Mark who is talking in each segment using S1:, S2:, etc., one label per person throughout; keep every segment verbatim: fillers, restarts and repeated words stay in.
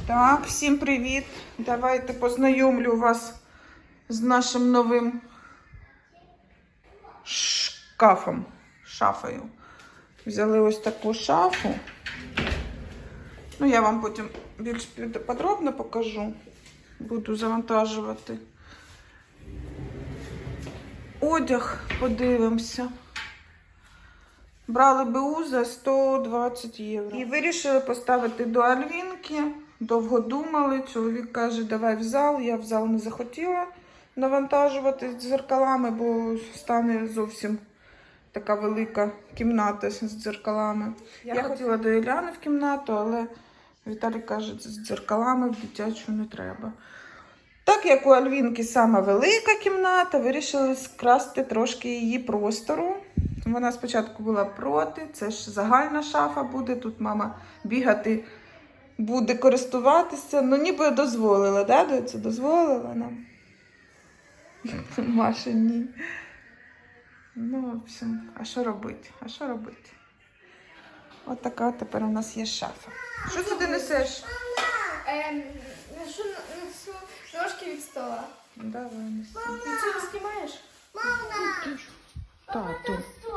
S1: Так, всім привіт! Давайте познайомлю вас з нашим новим шкафом, шафою. Взяли ось таку шафу. Ну, я вам потім більш подробно покажу. Буду завантажувати. Одяг подивимося. Брали БУ за сто двадцять євро. І вирішили поставити до Альвінки. Довго думали. Чоловік каже, давай в зал. Я в зал не захотіла навантажувати з дзеркалами, бо стане зовсім така велика кімната з дзеркалами. Я, Я хотіла до Іляни в кімнату, але Віталій каже, з дзеркалами в дитячу не треба. Так як у Альвінки сама велика кімната, вирішили скрасти трошки її простору. Вона спочатку була проти, це ж загальна шафа буде, тут мама бігати буде, користуватися. Ну ніби дозволила, да, доця? Дозволила нам? Маша, ні. Ну, в общем, а що робити? А що робити? От така тепер у нас є шафа. Що це ти несеш?
S2: Ем, ношу, несу ножки від стола.
S1: Давай, неси.
S2: Ти це знімаєш?
S3: Мама!
S1: Тату.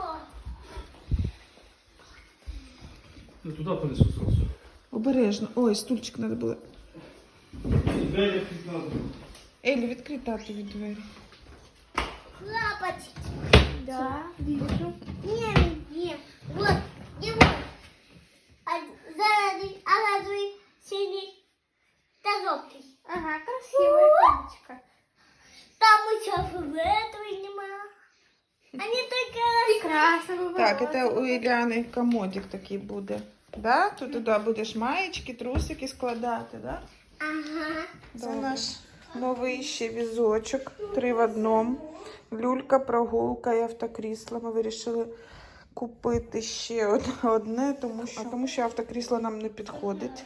S3: Ну туда понесу сразу.
S1: Обережно. Ой, стульчик треба було.
S3: Двері під надо.
S1: Елі, відкрий тату від двері.
S3: Лапочки.
S2: Да, вижу.
S3: Не, не. Вот, и вот. А зеленый, оранжевый, синий, да желтый.
S2: Ага, красивая кнопочка.
S3: Там еще фиолетовый нема. Они только
S2: Прекрасно.
S1: Так, це у Іляни комодик такий буде. Да? Тут туди будеш маєчки, трусики складати, да?
S3: Ага.
S1: Це наш новий ще візочок, три в одному. Люлька, прогулка і автокрісло. Ми вирішили купити ще одне, тому що, тому що автокрісло нам не підходить.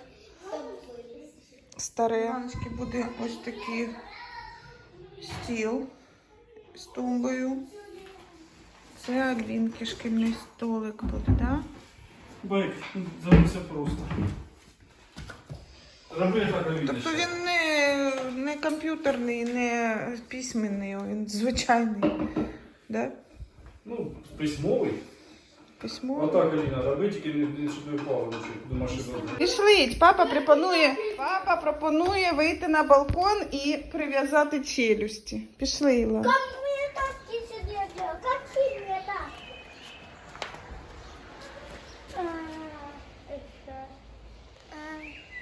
S1: Старе. Ганочки буде ось такий стіл з тумбою. Це Альвінки шкільний столик буде, да?
S3: Байк, зовсім просто. Роби так, видно.
S1: Тобто він не, не комп'ютерний, не письменний, він звичайний, да?
S3: Ну, письмовий.
S1: Письмо.
S3: Отак, Аліна, роби, тільки не щоб не впало до машини.
S1: Пішліть, папа пропонує, папа пропонує вийти на балкон і прив'язати челюсті. Пішли, Іла.
S3: Ну, Как мне так не делать? Как ты мне так? А, это... а.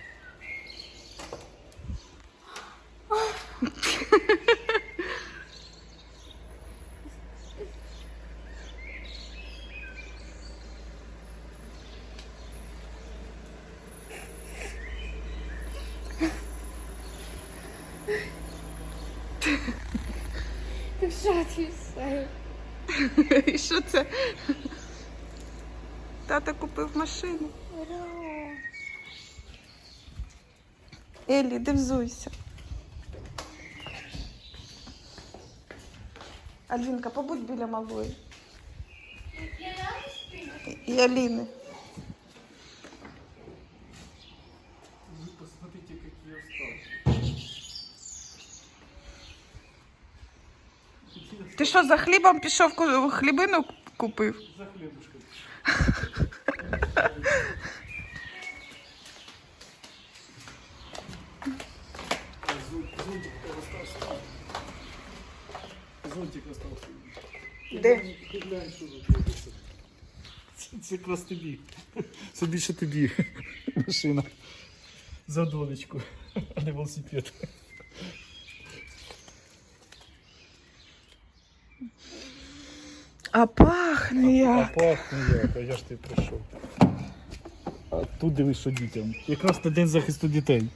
S2: Що ти все?
S1: І що це? Тата купив машину. Еллі, де взуйся. Альвінка, побудь біля малої. І Аліни.
S3: Вы посмотрите, какие остатки.
S1: Ти що, за хлібом пішов, ку- хлібину купив?
S3: За хлебушком. Зонтик остался. Зонтик остался.
S1: Де?
S3: Глянь, що тут робиться. Це, це якраз тобі. Це більше тобі. Машина. За донечку, а не велосипед.
S1: А пахне як.
S3: А пахне як, а я ж ти прийшов. А тут дивись, що дітям. Якраз на день захисту дітей.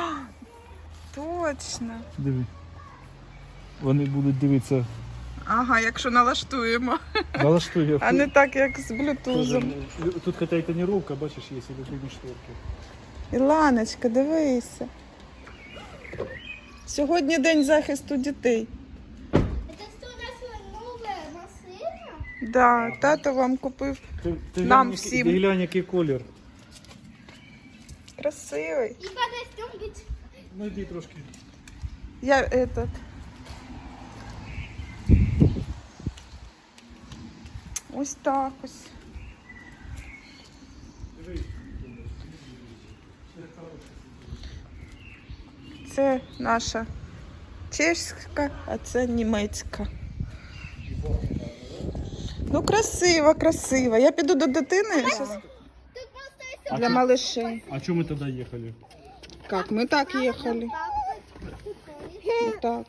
S1: Точно.
S3: Диви. Вони будуть дивитися.
S1: Ага, якщо налаштуємо.
S3: Налаштує.
S1: А не так, як з блютузом.
S3: Тут какая тонировка, бачиш, є силиконні шторки.
S1: Іланочка, дивися. Сьогодні день захисту дітей.
S3: Это что, наша новая машина?
S1: Да, тато вам купив.
S3: Ти, ти
S1: Нам
S3: глянь,
S1: всім.
S3: Ти глянь, який колір.
S1: Красивий.
S2: И подождем быть.
S3: Ну йди трошки.
S1: Я этот. Ось так ось. Це наша чеська, а це німецька. Ну, красиво, красиво. Я піду до дитини щас
S2: Тут просто есть
S1: для малышей.
S3: А чому ми тоді їхали?
S1: Как? Мы так ехали. Вот так.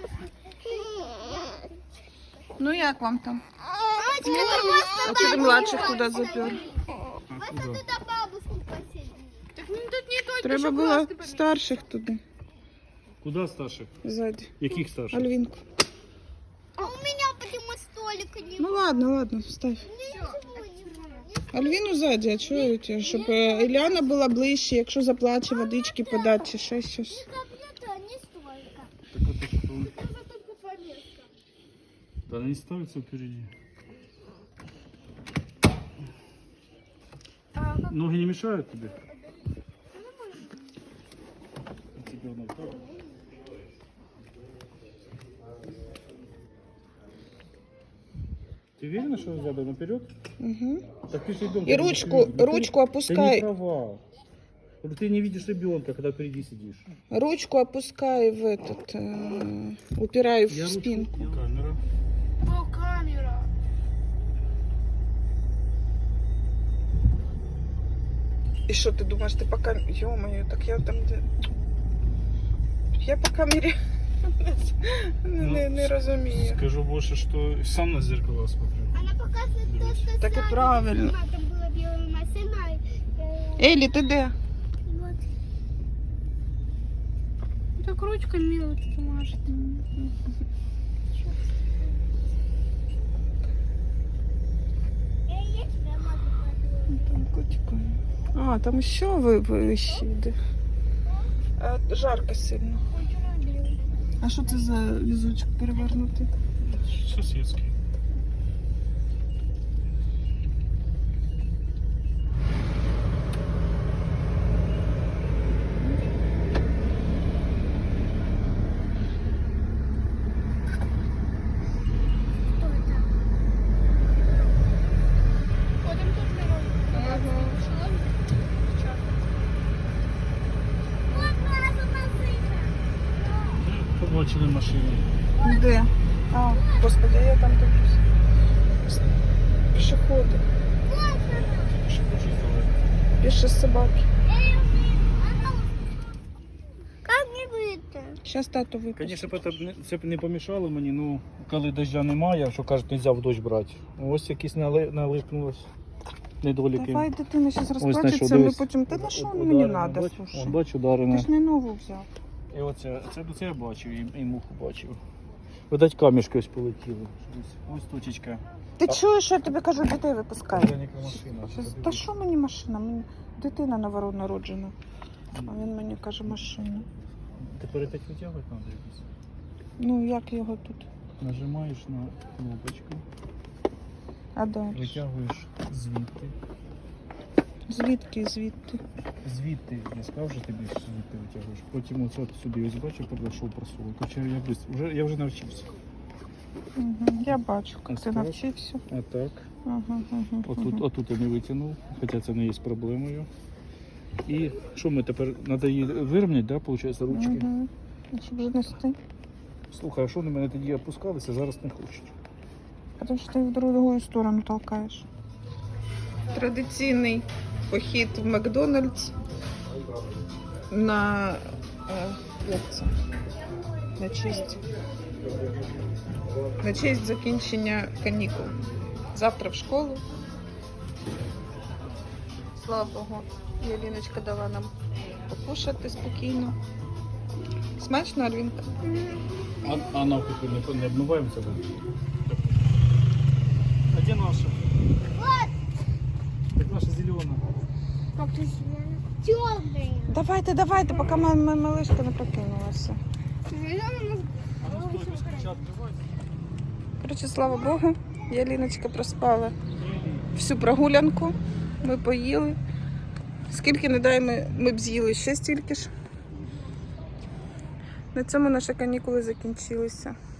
S1: Ну, як вам там? А что ты младших туда запер?
S3: А куди?
S2: туда бабушку посадили. Так ну тут не только
S1: Треба було старших туди,
S3: Куди старших?
S1: ззаді.
S3: Яких старших?
S1: Альвинку.
S2: А у меня почему столика не
S1: Ну ладно, ладно, вставь.
S2: Ничего не было.
S1: Альвіну ззаді, а чого я тебе? Щоб е, Іляна була ближче, якщо заплаче, водички подати чи ще щось.
S2: Компьютер не столько.
S3: Так это что?
S2: Это только повестка.
S3: Да не ставится впереди. Ноги не мешают тебе? Тебе она так. Ты уверена, что задом наперед?
S1: Угу.
S3: Так ты же ребенка
S1: И
S3: видишь
S1: ручку,
S3: впереди. Ну, ты-
S1: ручку
S3: Ты
S1: опускай.
S3: не права. Вот Ты не видишь ребенка, когда впереди сидишь.
S1: Ручку опускай в этот, э, упирай в
S3: Я ручку-
S1: спинку.
S3: Камера.
S2: О, камера.
S1: І що ти думаєш, ти по камері? Йо-моє, так я там де. Я по камері не, не, не розумію.
S3: Скажу больше, что сам на зеркало смотрю.
S2: Она показывает то, что
S1: Так и
S2: сзади.
S1: правильно.
S2: Там была белая машина. э,
S1: Елі, ти де?
S2: Вот. Так ручка мелочь может.
S1: Там котика. А, там ще ви вище йде. А, жарко сильно. А що це за візочок перевернутий?
S3: Соседский. Побачили машину.
S1: Де? А, господи, я там дивлюсь. Пішоходи.
S3: Що хочеш давай.
S1: Піші собаки.
S2: Как не выйти?
S1: Зараз тату випустить.
S3: Звісно, б це б не- це б не помішало мені, ну коли дождя немає, що кажуть, не можна в дощ брати. Ось якісь нали... налипнулось недоліки.
S1: Давай, дитина зараз
S3: Ось знайшов,
S1: розплачеться, ми
S3: дивись.
S1: потім. Та на що
S3: Уд-
S1: мені
S3: ударено,
S1: треба,
S3: бач?
S1: слушай?
S3: Вон, бачу,
S1: Ти
S3: ударене.
S1: ж не нову взяв.
S3: І оце, це, це я бачив, і, і муху бачив. Видать, камішки ось полетіли. Ось, ось точечка.
S1: Ти чуєш, що я тобі кажу, дітей випускай.
S3: Маленька машина.
S1: Щас- Та що мені машина? Мені дитина новонароджена. А він мені каже машина.
S3: Тепер опять витягувати треба якось.
S1: Ну як його тут?
S3: Нажимаєш на кнопочку,
S1: А далі?
S3: витягуєш звідти.
S1: Звідки, звідти?
S3: Звідти, я сказав, що тобі звідти витягуєш. Потім оце от сюди ось бачу, пройшов просовую. Хоча я быстро, вже, я вже навчився.
S1: Угу. Я бачу, як
S3: Ось
S1: ти
S3: так.
S1: навчився.
S3: А так.
S1: Угу, угу,
S3: Отут, отут я не витягнув, хоча це не є проблемою. І що ми тепер, треба її вирівняти, да, виходить, ручки?
S1: Угу. Щоб же нести.
S3: Слухай, а що вони мене тоді опускалися, зараз не хочуть.
S1: Тому що ти в другу сторону толкаєш. Традиційний похід в Макдональдс на, е, як це? На честь. На честь закінчення канікул. Завтра в школу. Слава Богу, Яліночка дала нам покушати спокійно. Смачно, Альвінка?
S3: А, а навпаки не, не обмиваємося? А де наша?
S2: Вот.
S3: Так наша зелена.
S2: Как ты темный.
S1: Давайте, давайте, поки моя моя малишка не прокинулася.
S3: А ну стой, без ключа відкривайся.
S1: Коротше, слава Богу, Яліночка проспала всю прогулянку. Ми поїли. Скільки не дай ми, ми б з'їли ще стільки ж. На цьому наші канікули закінчилися.